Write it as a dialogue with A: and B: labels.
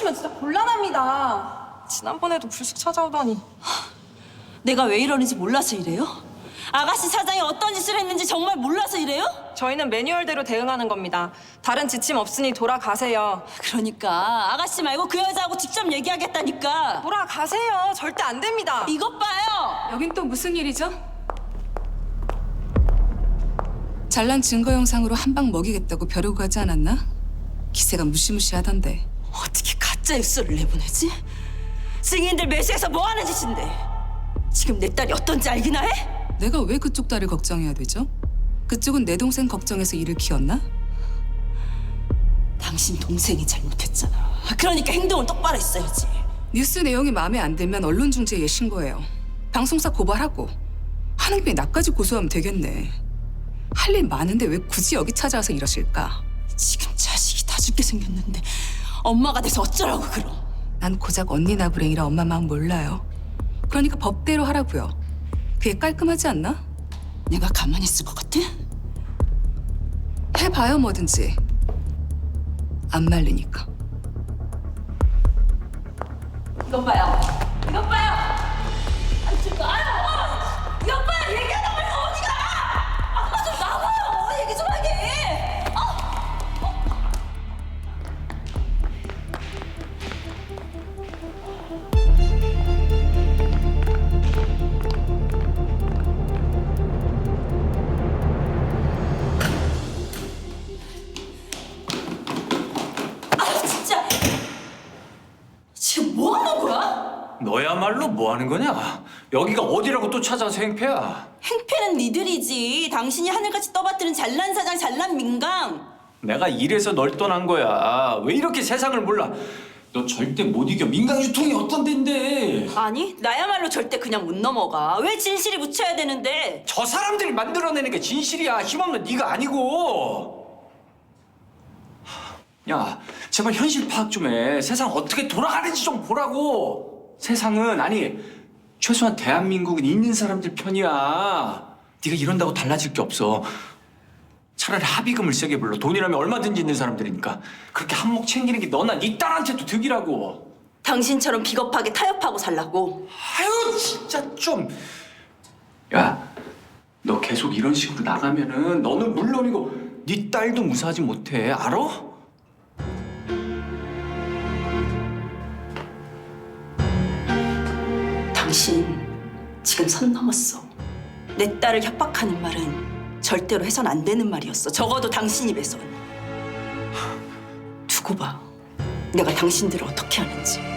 A: 이러시면 진짜 곤란합니다. 지난번에도 불쑥 찾아오다니.
B: 내가 왜 이러는지 몰라서 이래요? 아가씨 사장이 어떤 짓을 했는지 정말 몰라서 이래요?
A: 저희는 매뉴얼대로 대응하는 겁니다. 다른 지침 없으니 돌아가세요.
B: 그러니까 아가씨 말고 그 여자하고 직접 얘기하겠다니까.
A: 돌아가세요. 절대 안 됩니다.
B: 이것 봐요.
C: 여긴 또 무슨 일이죠? 잘난 증거 영상으로 한 방 먹이겠다고 벼르고 가지 않았나? 기세가 무시무시하던데.
B: 어떻게 가짜 뉴스를 내보내지? 증인들 매수해서 뭐 하는 짓인데? 지금 내 딸이 어떤지 알기나 해?
C: 내가 왜 그쪽 딸을 걱정해야 되죠? 그쪽은 내 동생 걱정해서 일을 키웠나?
B: 당신 동생이 잘못했잖아. 그러니까 행동을 똑바로 했어야지.
C: 뉴스 내용이 마음에 안 들면 언론중재에 신고해요. 방송사 고발하고 하는 김에 나까지 고소하면 되겠네. 할 일 많은데 왜 굳이 여기 찾아와서 이러실까?
B: 지금 자식이 다 죽게 생겼는데 엄마가 돼서 어쩌라고 그럼.
C: 난 고작 언니 나부랭이라 엄마 마음 몰라요. 그러니까 법대로 하라고요. 그게 깔끔하지 않나?
B: 내가 가만히 있을 것 같아?
C: 해봐요 뭐든지. 안 말리니까.
B: 이것 봐요. 이것 봐요. 아니 지금 아유, 이것 봐요. 얘기하다 말고 어디가? 아빠 좀 나와요. 얘기 좀 하게. 진짜. 지금 뭐 하는 거야?
D: 너야말로 뭐 하는 거냐? 여기가 어디라고 또 찾아서 행패야?
B: 행패는 니들이지. 당신이 하늘같이 떠받드는 잘난 사장, 잘난 민강.
D: 내가 이래서 널 떠난 거야. 왜 이렇게 세상을 몰라? 너 절대 못 이겨. 민간 유통이 어떤 데인데?
B: 아니, 나야말로 절대 그냥 못 넘어가. 왜 진실이 묻혀야 되는데?
D: 저 사람들이 만들어내는 게 진실이야. 힘없는 네가 아니고. 야, 제발 현실 파악 좀 해. 세상 어떻게 돌아가는지 좀 보라고. 세상은 아니 최소한 대한민국은 있는 사람들 편이야. 네가 이런다고 달라질 게 없어. 차라리 합의금을 세게 불러. 돈이라면 얼마든지 있는 사람들이니까. 그렇게 한몫 챙기는 게 너나 네 딸한테도 득이라고.
B: 당신처럼 비겁하게 타협하고 살라고.
D: 아유 진짜 좀. 야, 너 계속 이런 식으로 나가면은 너는 물론이고 네 딸도 무사하지 못해. 알아?
B: 당신 지금 선 넘었어. 내 딸을 협박하는 말은 절대로 해선 안 되는 말이었어. 적어도 당신 입에선. 두고 봐. 내가 당신들을 어떻게 하는지.